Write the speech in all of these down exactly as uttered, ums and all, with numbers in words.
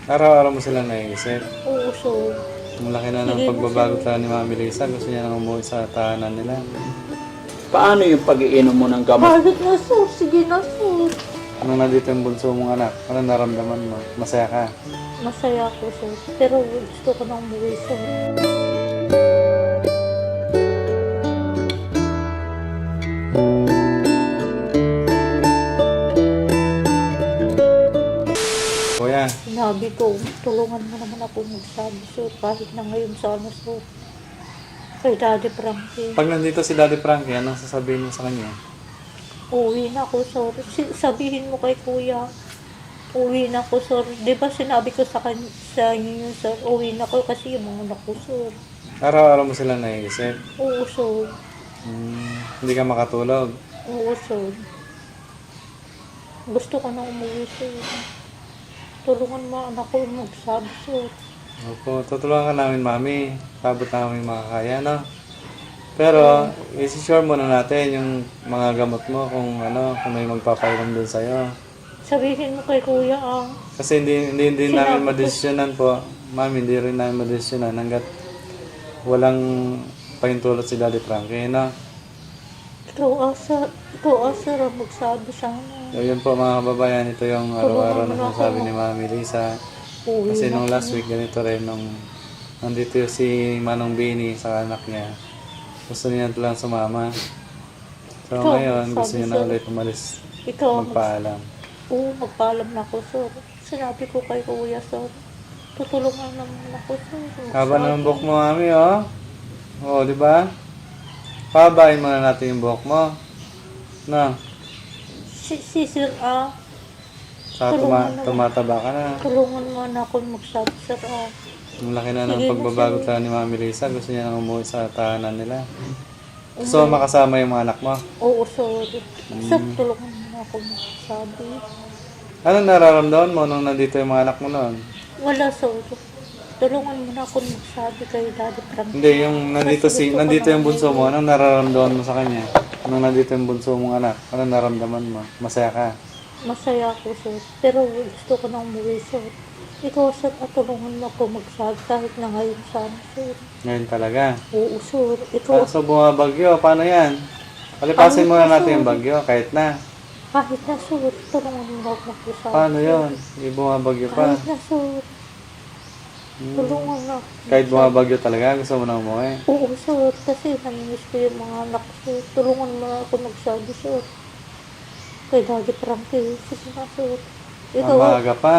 Araw-araw mo sila naiisip. Oo, sir. Ang laki na ng Sige na, pagbabago sir. talaga ni Mami Lisa. Gusto niya nang umuwi sa tahanan nila. Paano yung pag-iinom mo ng gamot? Bakit na, sir? Sige na, sir. Nung nandito yung bunso mong anak, ano naramdaman mo? Masaya ka? Masaya ako, sir. Pero gusto ko nang umuwi, sir. Kuya, Sinabi ko, tulungan mo naman ako magsabi, sir. Kahit na ngayon sana, sir. Kay Daddy Frankie. pag nandito si Daddy Frankie, anong sasabihin mo sa kanya? Uwi na ako, sir. Si- sabihin mo kay kuya. Uwi na ako, sir. Di ba sinabi ko sa, kan- sa inyo yun, sir? Uwi na ako kasi yung mga anak ko, sir. Araw-araw mo sila naiisip. Oo, sir. Hmm, hindi ka makatulog. Oo, sir. Gusto ko na umuwi, sir. Tulungan mo anak ko magsabi, sir. Opo, tutulungan ka namin, Mami. Sabot namin makakaya, no? Pero, isi-sure muna natin yung mga gamot mo kung ano, kung may magpapainom dun sa'yo. Sabihin mo kay kuya, ah. Kasi hindi, hindi, hindi Sinabi namin ko- madesisyonan po. Mami, hindi rin namin madesisyonan hanggat walang pahintulot si Daddy Frankie, no? Ikaw, asa, ikaw, asa ang magsabi sana. So, yun po mga kababayan, ito yung araw-araw na sinasabi ni Mami Lisa. Uwi Kasi na nung ako. last week, ganito rin, nung nandito si Manong Bini sa anak niya, gusto niya lang sumama. So Ikaw, ngayon, gusto sabi niya na sa'yo. ulit umalis, Ikaw, ang mag- magpaalam. Oo, magpaalam na ako, sir. Sinabi ko kay kuya, sir. Tutulungan naman ako, sir. Haba Magsabi. na ng buhok mo, Mami, oh. Oo, di ba? Pabayin muna natin yung buhok mo. No, Si, si sir, ah. sa Tulungan tuma- naman. tumataba ka na. Tulungan mo na ako magsabi, sir, ah. Ang laki na ng Sige na, pagbabago sige. talaga ni Mami Lisa. Gusto niya nang umuwi sa tahanan nila. Gusto mo makasama yung mga anak mo. Oo, sir. Sir, Mm. tulungan mo na ako magsabi. Anong nararamdaman mo nung nandito yung mga anak mo noon? Wala, sir. Tulungan mo na ako magsabi kay Daddy Frank. Hindi, yung nandito Kasi si gusto ko nandito na yung bunso mo, anong nararamdaman mo sa kanya? Nung nandito yung bunso mong anak, anong nararamdaman mo? Masaya ka? Masaya ako, sir. Pero gusto ko na umuwi, sir. Ikaw, sir, at tulungan mo ako magsabi kahit na ngayon sana, sir. Ngayon talaga. Oo, sir. Ikaw, Kaso bumabagyo, paano yan? Palipasin Ano muna kaso? natin yung bagyo, kahit na. kahit na, sir, tulungan mo ako magsabi. Paano yun? Hindi bumabagyo pa. Kahit na, sir. Hmm. Tulungan na. Kahit bumabagyo talaga, gusto mo na umuwi. Oo, sir. Kasi namimiss ko yung mga anak ko, sir. Tulungan mo na ako magsabi, sir. Kay Daddy Frankie. Sige na, sir. Ang Ikaw, maaga pa.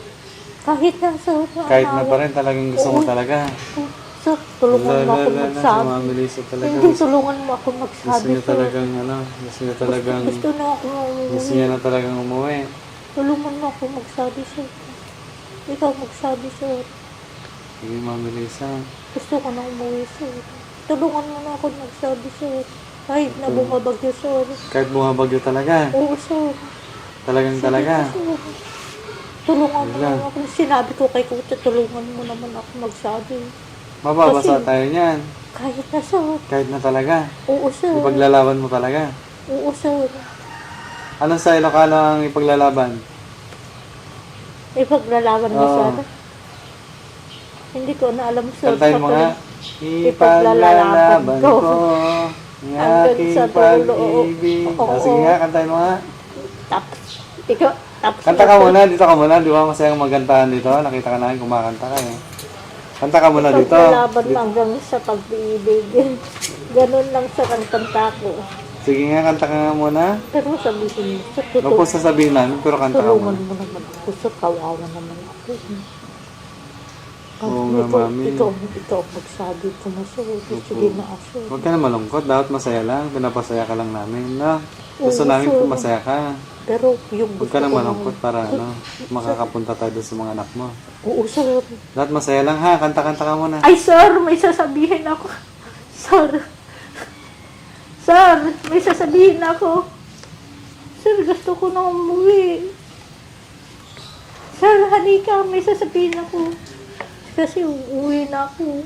kahit na, sir. Kahit na naawa- pa rin, talagang gusto mo Oo. talaga. Oh, sir, tulungan mo ako Lala, si magsabi. Mami Lisa talaga. Hindi, Gusto, tulungan mo ako gusto magsabi, niya sir. talagang, ano, gusto niya talagang, Gusto na ako gusto umuwi. niya na talagang umuwi. Tulungan mo ako magsabi, sir. Ikaw magsabi, sir. Sige, Mami Lisa. Gusto ko na umuwi, sir. Tulungan mo na ako magsabi, sir. Kahit na bumabagyo, sir. Kahit bumabagyo talaga. Oo, sir. Talagang talaga. Sir, tulungan mo Wala. naman ako. Sinabi ko kay Kuya, tulungan mo naman ako magsabi. Mababasa Kasi- tayo niyan. Kahit na, sir. Kahit na talaga. Oo, sir. Ipaglalaban mo talaga. Oo, sir. Anong sa Ilocano ang ipaglalaban? Ipaglalaban mo Oo. sana. Hindi ko na alam, sir. Kantahin mo Sa nga. tuloy- Ipaglalaban ko ang Hanggang aking sa dulo. pag-ibig. Oo. Ah, sige nga, kantahin mo nga. Tapos, ikaw, tapos. Kanta ka muna, dito ka muna. Di ba masayang magkantahan dito? Nakita ka namin kumakanta ka eh. Kanta ka muna dito. Ipaglalaban mo hanggang sa pag-ibig. Ganun lang sa kanta ko. Sige nga, kanta ka nga muna. Pero sabihin mo, sa Huwag po totoo, sasabihin namin, pero kanta ka tulungan muna. mo naman ako. Sa kawawa naman ako. Oo nga, ikaw, mami. ikaw, ikaw magsabi ko na, sir. Sige na, sir. Huwag ka na malungkot. Dapat masaya lang. Pinapasaya ka lang namin. No? Gusto Oo, namin sir. kung masaya ka. Pero yung Huwag gusto ka na ko malungkot para ano, makakapunta tayo doon sa mga anak mo. Oo, sir. Dapat masaya lang ha. Kanta-kanta ka muna. Ay, sir, may sasabihin ako. Sir. Sir, may sasabihin ako. Sir, gusto ko na umuwi. Sir, halika, may sasabihin ako. Kasi uuwi na ako.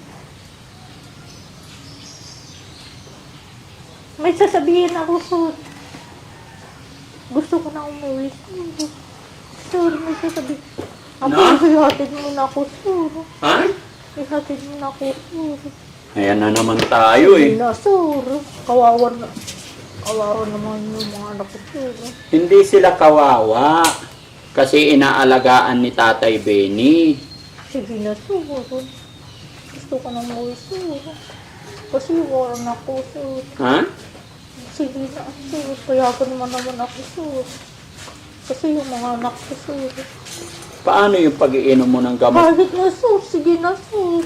May sasabihin ako, sir. Gusto ko na umuwi. Sir, may sasabihin. Ako, Na? ihatid mo na ako, sir. Ha? Ihatid mo na ako, sir. Ayan na naman tayo Hindi eh. na, sir. Kawawa na. Kawawa naman yung mga anak ko, sir. Hindi sila kawawa. Kasi inaalagaan ni Tatay Benny. Sige na, sir. Gusto ko na umuwi, sir. Kasi waran ako, sir. Ha? Sige na, sir. Payagan naman naman ako, sir. Kasi yung mga anak ko, sir. Paano yung pag-iinom mo ng gamot? Kahit na, sir. Sige na, sir.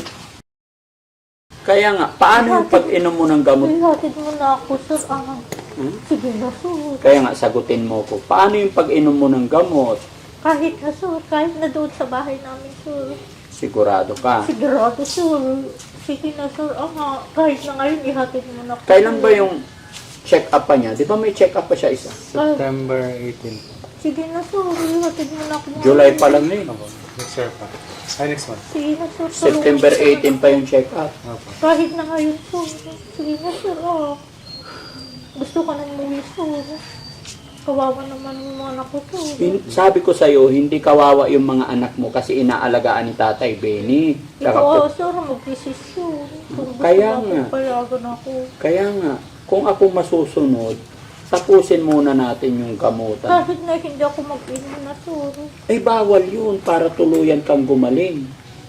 Kaya nga, paano yung pag-inom mo ng gamot? Ihatid mo na ako, sir. Ah, Hmm? sige na, sir. Kaya nga, sagutin mo ko. Paano yung pag-inom mo ng gamot? Kahit na, sir. Kahit na doon sa bahay namin, sir. Sigurado ka. Sigurado, sir. Sige na, sir. Ah, kahit na ngayon, ihatid mo na ako. Kailan ba yung check-up pa niya? Di ba may check-up pa siya isa? September eighteenth. Sige na, sir. Ihatid mo na ako. July pa lang na eh. Opo. Next year pa. Ay, next month. Sige na, sir. September Tulungan mo, sir. eighteenth pa yung check-up. Opo. Kahit na ngayon, sir. Sige na, sir. Ah. Gusto ka nang umuwi, sir. Kawawa naman yung mga anak ko, sir. Hin- Sabi ko sa'yo, hindi kawawa yung mga anak mo kasi inaalagaan ni Tatay Benny. Ikaw, Kaka- ah, sir, mag-desisyon. Kung gusto Kaya mo nga. ako, payagan ako. Kaya nga, kung ako masusunod, tapusin muna natin yung gamutan. Kahit na hindi ako mag-inom na, sir. Ay, bawal yun para tuluyan kang gumaling.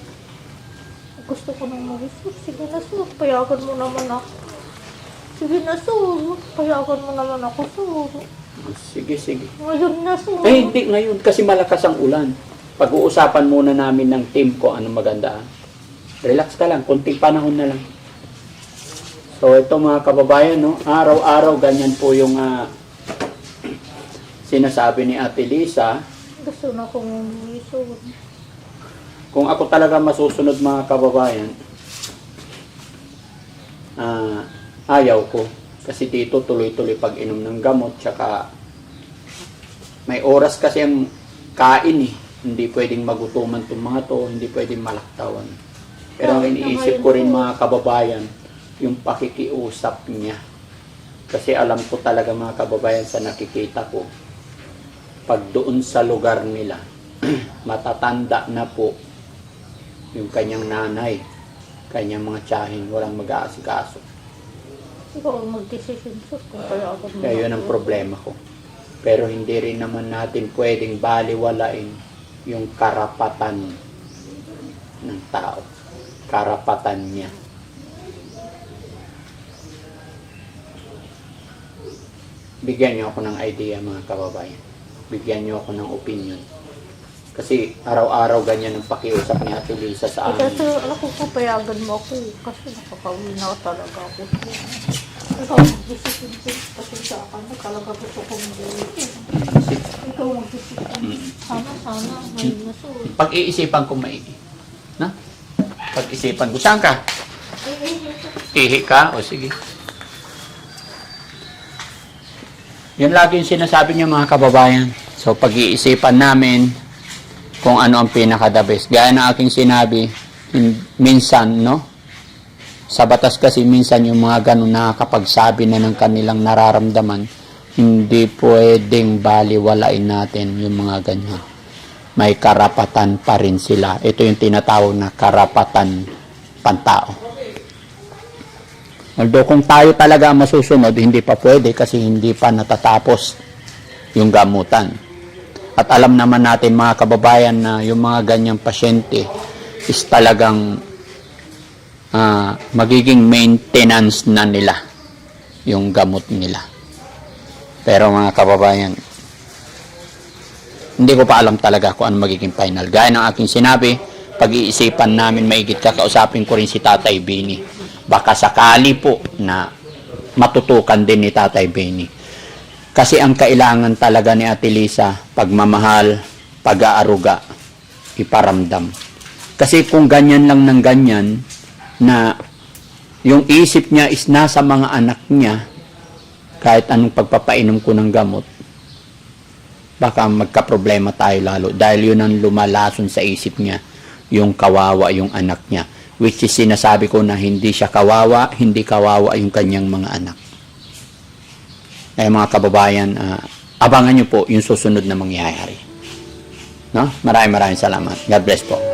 Gusto ko nang umuwi, sir. Sige na, sir. Payagan mo naman ako. Sige na, sir. Payagan mo naman ako, sir. Sige, sige. Ngayon na, sir. Ay, hindi ngayon kasi malakas ang ulan. Pag-uusapan muna namin ng team ko anong maganda. Relax ka lang, kunting panahon na lang. So, ito mga kababayan, no? Araw-araw ganyan po yung ah, sinasabi ni Ate Lisa. Gusto na akong umuwi, sir. Kung ako talaga masusunod mga kababayan, ah, ayaw ko. Kasi dito tuloy-tuloy pag-inom ng gamot, tsaka may oras kasi ang kain eh. Hindi pwedeng magutuman itong mga to, hindi pwedeng malaktawan. Pero ang iniisip ko rin mga kababayan, yung pakikiusap niya. Kasi alam ko talaga mga kababayan sa nakikita ko, pag doon sa lugar nila, matatanda na po yung kanyang nanay, kanyang mga tiyahin, walang mag-aasikaso. Ikaw ang mag-decision, sir. Kung payagan mo Kaya yun ang problema ko. Pero hindi rin naman natin pwedeng baliwalain yung karapatan ng tao. Karapatan niya. Bigyan niyo ako ng idea mga kababayan. Bigyan niyo ako ng opinion. Kasi araw-araw ganyan ang pakiusap ni Ate Lisa sa Ikaw, amin. sir, ako papayagan mo ako. Kasi nakakawin na talaga ako. Ikaw mag-decision, sir. Kasi sa akin na talaga gusto kong umuwi. Ikaw mag-decision. Sana, sana. Ngayon na, sir. Pag-iisipan ko maigi. Na? Pag-isipan ko. Saan ka? Ihi ka? O sige. Yan lagi yung sinasabi niya mga kababayan. So pag-iisipan namin kung ano ang pinaka-the best. Gaya ng aking sinabi, hin- minsan, no? Sa batas kasi minsan yung mga ganun nakakapagsabi na ng kanilang nararamdaman, hindi pwedeng baliwalain natin yung mga ganyan. May karapatan pa rin sila. Ito yung tinatawag na karapatan pantao. Although kung tayo talaga masusunod, hindi pa pwede kasi hindi pa natatapos yung gamutan. At alam naman natin mga kababayan na yung mga ganyang pasyente is talagang uh, magiging maintenance na nila yung gamot nila. Pero mga kababayan, hindi ko pa alam talaga kung ano magiging final. Gaya ng aking sinabi, pag-iisipan namin maigit, kakausapin ko rin si Tatay Benny. Baka sakali po na matutukan din ni Tatay Benny. Kasi ang kailangan talaga ni Ate Lisa, pagmamahal, pag-aaruga, iparamdam. Kasi kung ganyan lang ng ganyan, na yung isip niya is nasa mga anak niya, kahit anong pagpapainom ko ng gamot, baka magka-problema tayo lalo. Dahil yun ang lumalason sa isip niya, yung kawawa yung anak niya. Which is sinasabi ko na hindi siya kawawa, hindi kawawa yung kanyang mga anak. Kaya mga kababayan, uh, abangan nyo po yung susunod na mangyayari. No? Maraming maraming salamat. God bless po.